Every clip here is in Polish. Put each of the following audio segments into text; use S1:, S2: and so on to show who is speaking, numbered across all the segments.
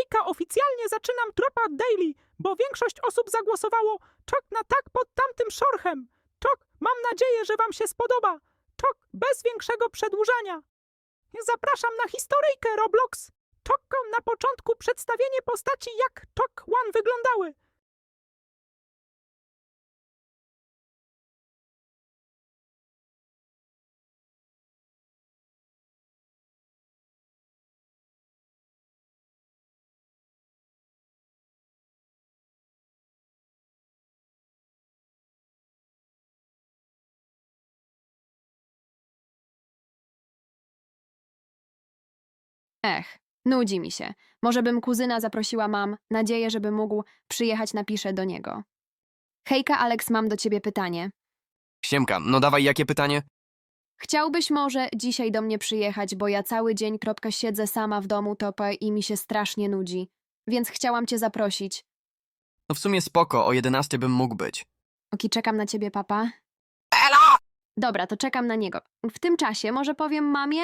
S1: Hejka, oficjalnie zaczynam Tropa Daily, bo większość osób zagłosowało czok na tak pod tamtym szorchem. Czok, mam nadzieję, że wam się spodoba. Czok, bez większego przedłużania. Zapraszam na historyjkę Roblox. Czok, na początku przedstawienie postaci, jak Czok One wyglądały.
S2: Nudzi mi się. Może bym kuzyna zaprosiła, mam nadzieję, żeby mógł przyjechać, napiszę do niego. Hejka, Alex, mam do ciebie pytanie.
S3: Siemka, no dawaj, jakie pytanie?
S2: Chciałbyś może dzisiaj do mnie przyjechać, bo ja cały dzień siedzę sama w domu topę i mi się strasznie nudzi. Więc chciałam cię zaprosić.
S3: No w sumie spoko, o 11 bym mógł być.
S2: Oki, czekam na ciebie, papa.
S3: Elo!
S2: Dobra, to czekam na niego. W tym czasie może powiem mamie?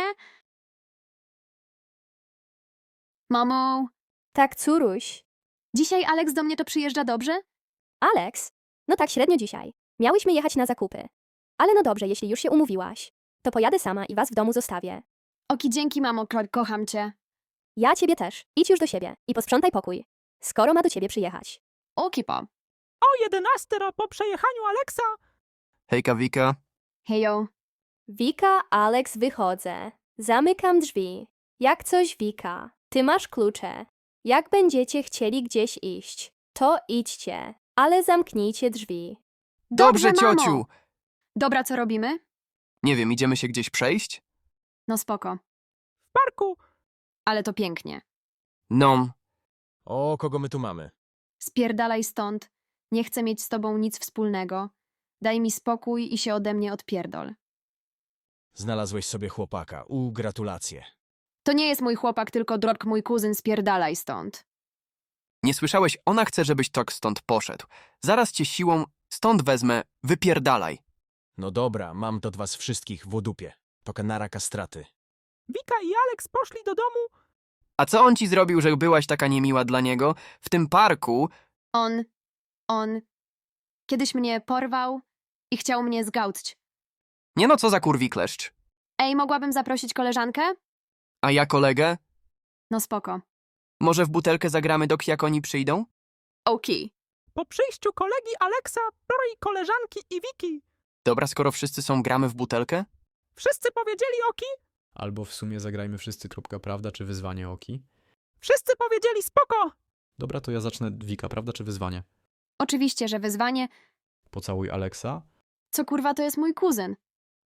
S2: Mamo,
S4: Tak, córuś.
S2: dzisiaj Alex do mnie to przyjeżdża, dobrze?
S4: Alex? No tak średnio dzisiaj. Miałyśmy jechać na zakupy. Ale no dobrze, jeśli już się umówiłaś, to pojadę sama i was w domu zostawię.
S2: Oki, dzięki, mamo, kocham cię.
S4: Ja ciebie też. Idź już do siebie i posprzątaj pokój. Skoro ma do ciebie przyjechać.
S2: Oki, po.
S1: O 11 po przejechaniu Alexa.
S3: Hejka, Wika.
S2: Hejo.
S4: Wika, Alex, wychodzę. Zamykam drzwi. Jak coś, Wika, ty masz klucze. Jak będziecie chcieli gdzieś iść, to idźcie, ale zamknijcie drzwi.
S3: Dobrze,
S2: mamo.
S3: ciociu!
S2: Dobra, co robimy?
S3: Nie wiem, idziemy się gdzieś przejść?
S2: No spoko.
S1: W parku.
S2: Ale to pięknie.
S3: No,
S5: O, kogo my tu mamy?
S2: Spierdalaj stąd. Nie chcę mieć z tobą nic wspólnego. Daj mi spokój i się ode mnie odpierdol.
S5: Znalazłeś sobie chłopaka. Gratulacje.
S2: To nie jest mój chłopak, tylko drog mój kuzyn, spierdalaj stąd.
S3: nie słyszałeś, ona chce, żebyś tok stąd poszedł. Zaraz cię siłą stąd wezmę, wypierdalaj.
S5: No dobra, mam do was wszystkich w dupie. To kanara kastraty.
S1: Wika i Alex poszli do domu.
S3: A co on ci zrobił, że byłaś taka niemiła dla niego? W tym parku?
S2: On kiedyś mnie porwał i chciał mnie zgałcić.
S3: Nie no, co za kurwi kleszcz.
S2: Ej, mogłabym zaprosić koleżankę?
S3: A ja kolegę?
S2: No spoko.
S3: Może w butelkę zagramy, jak oni przyjdą?
S2: Oki.
S1: Po przyjściu kolegi Alexa, i koleżanki i Wiki.
S3: Dobra, skoro wszyscy są, gramy w butelkę?
S1: Wszyscy powiedzieli oki.
S6: Albo w sumie zagrajmy wszyscy prawda czy wyzwanie Oki.
S1: Wszyscy powiedzieli spoko.
S6: Dobra, to ja zacznę Wika, prawda czy wyzwanie?
S2: Oczywiście, że wyzwanie.
S6: Pocałuj Alexa.
S2: Co kurwa, to jest mój kuzyn.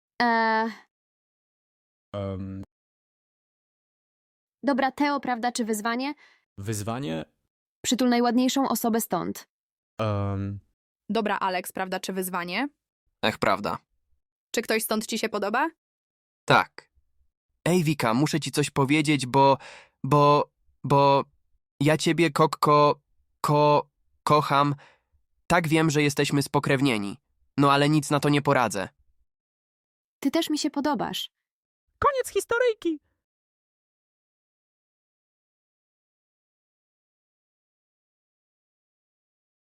S2: Dobra, Teo, prawda czy wyzwanie?
S6: Wyzwanie?
S2: Przytul najładniejszą osobę stąd.
S7: Dobra, Alex, prawda czy wyzwanie?
S3: Ech, prawda.
S7: Czy ktoś stąd ci się podoba?
S3: Tak. Ej, Wika, muszę ci coś powiedzieć, bo ja ciebie, kocham. Tak, wiem, że jesteśmy spokrewnieni. No ale nic na to nie poradzę.
S2: Ty też mi się podobasz.
S1: Koniec historyjki.